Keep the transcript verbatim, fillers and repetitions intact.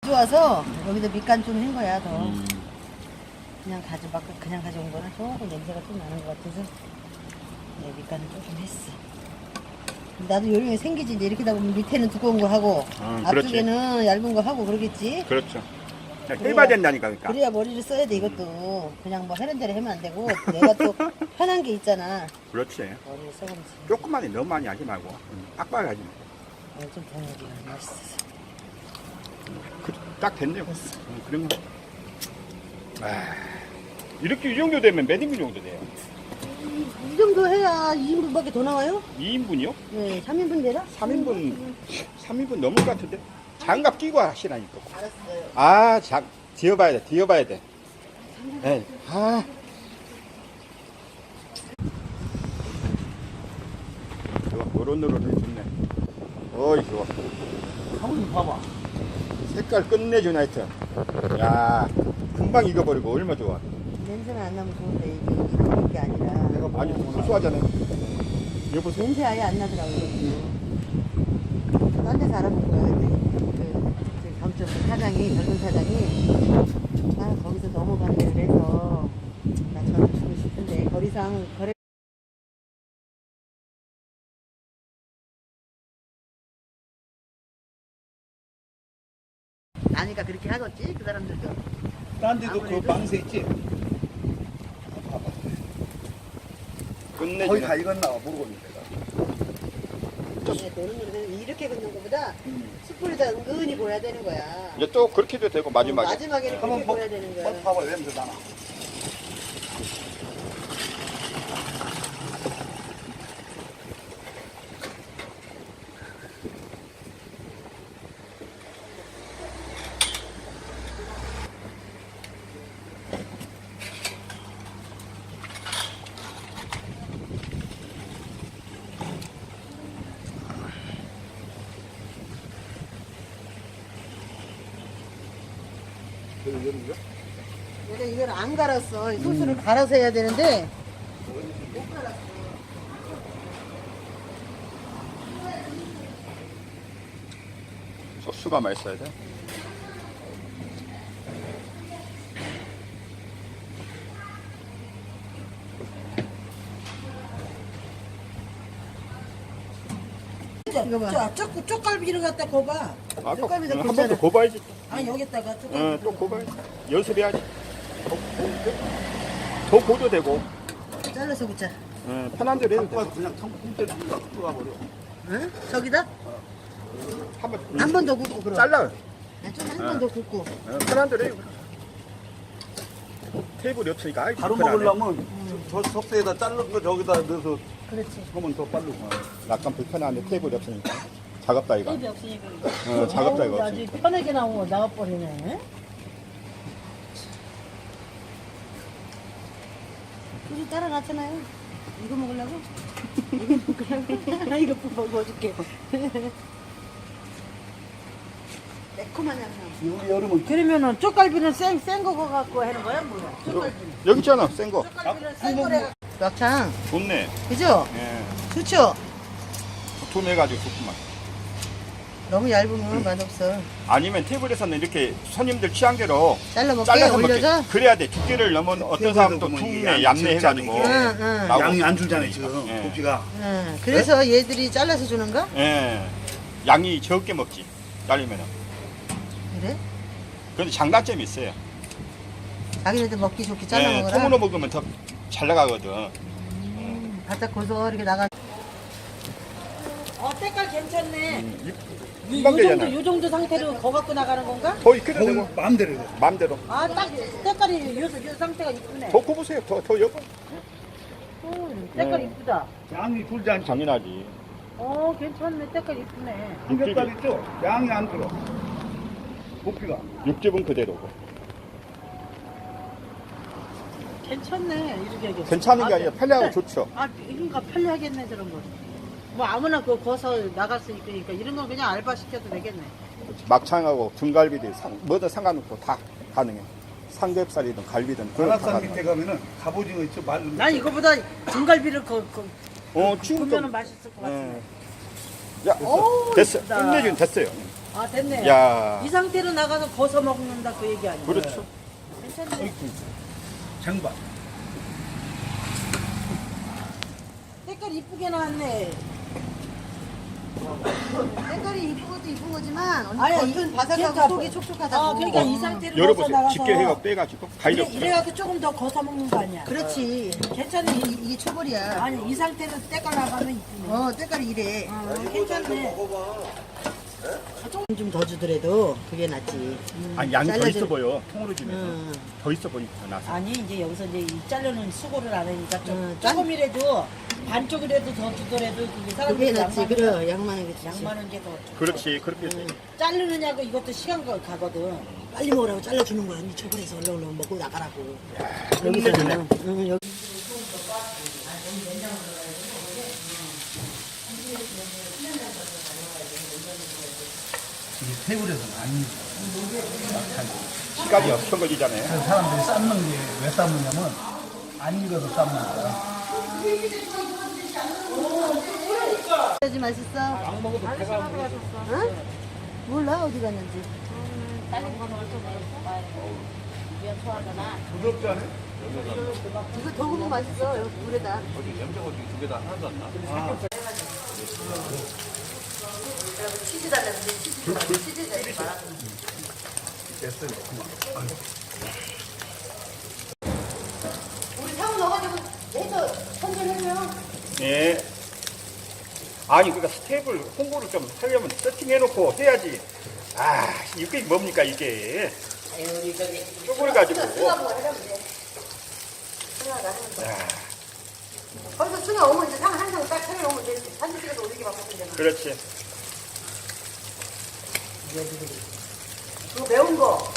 좋아서 여기다 밑간 좀 한 거야 더. 음. 그냥 가져 막 그냥 가져온 거는 조금 냄새가 좀 나는 것 같아서 네, 밑간을 조금 했어. 나도 요령이 생기지. 이제 이렇게 다 보면 밑에는 두꺼운 거 하고 음, 그렇지. 앞쪽에는 얇은 거 하고 그러겠지. 그렇죠. 그래야- 해봐야 된다니까, 그러니까. 그래야 머리를 써야 돼 이것도. 그냥 뭐 하는 대로 하면 안 되고 내가 또 편한 게 있잖아. 그렇지. 머리를 써보면서 조금만 해, 너무 많이 하지 말고. 음, 빡빡하게 하지 말고. 어, 좀 더해야지 맛있어서. 그, 딱 됐네요. 음, 그러면. 아, 이렇게 이 정도 되면 몇 인분 정도 돼요? 이 정도 해야 이 인분밖에 더 나와요? 이 인분이요? 네, 삼 인분 되나? 삼 인분, 삼 인분 넘을 것 같은데? 장갑 끼고 하시라니까. 알았어요. 아, 장, 뒤어봐야 돼, 뒤어봐야 돼. 에이, 아. 좋아, 노릇노릇해 좋네. 어이, 좋아. 한번 봐봐. 색깔 끝내주네, 하여튼. 야, 금방 익어버리고, 얼마 좋아. 냄새는 안 나면 좋은데 이게 익은 게 아니라 내가 아주 고소하잖아요. 여보세요? 냄새 아예 안 나더라고요. 딴 데서 알아본 거야. 그, 그 점점 그 사장이, 젊은 사장이 아 거기서 넘어간대를 해서 나 저를 주고 싶은데 거리상 거래 아니까 그렇게 하겠지 그 사람들도. 딴 데도 그 아무래도- 망세 있지? 봐봐. 거의 끝내주네. 다 익었나 모르겠네, 내가. 네, 노릇노릇 이렇게 긋는 것보다 숯불에다 은근히 보여야 되는 거야. 이제 또 그렇게 해도 되고, 마지막에. 어, 마지막에는 그렇게 한번 봐- 보여야 되는 거야. 한번 봐봐, 냄새 나나. 내가 이걸 안 갈았어. 이 소스를 갈아서 해야 되는데 못 갈았어. 소스가 맛있어야 돼. 이거 봐. 쪽, 쪽갈비를 갖다 고봐. 아, 쪽갈비도 한 번 굽잖아. 더 고봐야지. 아, 여기다가 쪽갈비. 어, 또 고봐야지. 연습해야지. 더, 더 고도 되고, 잘라서 굽자. 어, 편한 대로 해도 돼. 갖고 그냥 통째로 들어가 버려. 응? 저기다? 한 번, 한 번 더 굽고 그럼. 잘라. 좀 한 번 더 굽고. 어, 편한 대로 해. 테이블이 없으니까, 아이, 바로 불편하네. 먹으려면 저 석쇠에다 자른 거 저기다 넣어서 그렇지. 하면 더 빠르고. 약간 불편한데 테이블이 없으니까. 작업다, 이거. 텔레비 없으니까. 어, 작업다, 이거 아주 없으니까. 편하게 나오고 나가버리네. 소주 따라놨잖아요. 이거 먹으려고? 이거 먹으려고? 이거 먹어줄게. 매콤한 향. 우리 여름은 그러면은 쪽갈비는 생, 생거 갖고 하는 거야? 뭐야? 쪽갈비는. 여기 있잖아, 센 거. 쪽갈비는 생거래. 막창. 좋네. 그죠? 예. 좋죠? 두툼해가지고 좋구만. 너무 얇으면 맛없어. 아니면 테이블에서는 이렇게 손님들 취향대로 잘라먹게 잘라서 올려서? 먹게. 그래야 돼. 두께를 넣으면 어떤 사람은 또 보면 이게 둥네, 양이 얇네 해가지고. 진짜 응, 응. 나오고. 양이 안 줄잖아요, 지금. 예. 고기가. 응. 그래서 얘들이 잘라서 주는가? 예. 양이 적게 먹지. 잘리면은. 그래? 근데 장단점이 있어요. 자기네들 먹기 좋게 예, 잘라먹어라. 통으로 먹으면 더 잘 나가거든. 음, 바짝 고소하게 나가. 어, 때깔 괜찮네. 이- 이, 금방 요 정도, 되잖아. 요 정도 상태로 거 갖고 나가는 건가? 더 익혀도 거기 되고, 마음대로 해. 마음대로. 아, 딱 때깔이 요, 요 상태가 이쁘네. 더 구우세요. 더, 더 여고. 음, 때깔 네. 이쁘다. 양이 줄지 않지. 당연하지. 어, 괜찮네. 때깔 이쁘네. 삼겹살 있죠? 양이 안 들어. 고기가. 육즙은 그대로고. 괜찮네. 이렇게 하게. 괜찮은 게 아, 아니라 편리하고 네. 좋죠. 아, 그러니까 편리하겠네, 저런 거. 뭐 아무나 그거 거서 나갈 수 있으니까 이런 건 그냥 알바 시켜도 되겠네. 막창하고 등갈비도 상, 뭐든 상관없고 다 가능해. 삼겹살이든 갈비든 그런 거다 관악산 가능해. 밑에 가면은 갑오징어 있죠? 말른. 난 이거보다 등갈비를 그, 그, 어, 지금 보면은 좀. 맛있을 것 같은데. 예. 야, 어우, 됐어. 이쁘다. 끝내준 됐어요. 아 됐네. 야. 이 상태로 나가서 거서 먹는다 그 얘기 아니야? 그렇죠. 괜찮네. 장반. 색깔 이쁘게 나왔네. 색깔이 이쁜 것도 이쁜 거지만 언니 아니, 겉은 이- 바삭하고 그러니까 속이 촉촉하다고. 아 그러니까 이 상태로 거서 열어보세요. 나가서 집게 해가 빼가지고 이래, 가위로. 이래갖고 조금 더 거서 먹는 거 아니야? 그렇지. 괜찮네. 이, 이게 초벌이야. 아니 이 상태로 때깔 나가면 이쁘네. 어, 색깔이 이래. 어, 괜찮네. 좀 더 주더라도 그게 낫지. 아니 양이 더 잘라줄- 있어 보여. 통으로 주면서 음. 더 있어 보니까 더 나서. 아니 이제 여기서 이제 이 자르는 수고를 안 하니까 좀 음, 짠- 조금이라도 반쪽이라도 더 주더라도 그게 그게 사람들이 낫지. 양만 그래, 양만한 게 좋지. 양만한 게 더 좋고. 그렇지 그렇게 해서. 자르느냐고 이것도 시간 가- 가거든. 빨리 먹으라고 잘라주는 거야. 언니 초벌해서 얼른 얼른 먹고 나가라고. 끝내주네. 여기서는. 응, 여기. 이게 테이블에서는 안 익어. 시간이 엄청 걸리잖아요. 그래서 사람들이 삶는 게 왜 삶느냐면 안 익어서 삶는 거야. 해야지 맛있어. 안 먹어도 배가 응? 몰라 어디 갔는지. 부드럽지 않아? 이거 더 구우면 맛있어. 여기 물에다. 치즈 달라는데 치즈 달라. 치즈 달지 마라. 됐어요. 우리 사고 넣어가지고 해서 선전해줘요. 예. 아니 그러니까 스텝을 홍보를 좀 하려면 세팅해놓고 해야지. 아 이게 뭡니까 이게. 쪼그려 가지고. 승하고 하려면 돼. 승하가 하는 거. 야, 거기서 승하 오면 이제 상 한 장 딱 차려놓으면 되지. 사진 찍어서 올리기만 하면 되잖아. 그렇지. 그거 매운 거.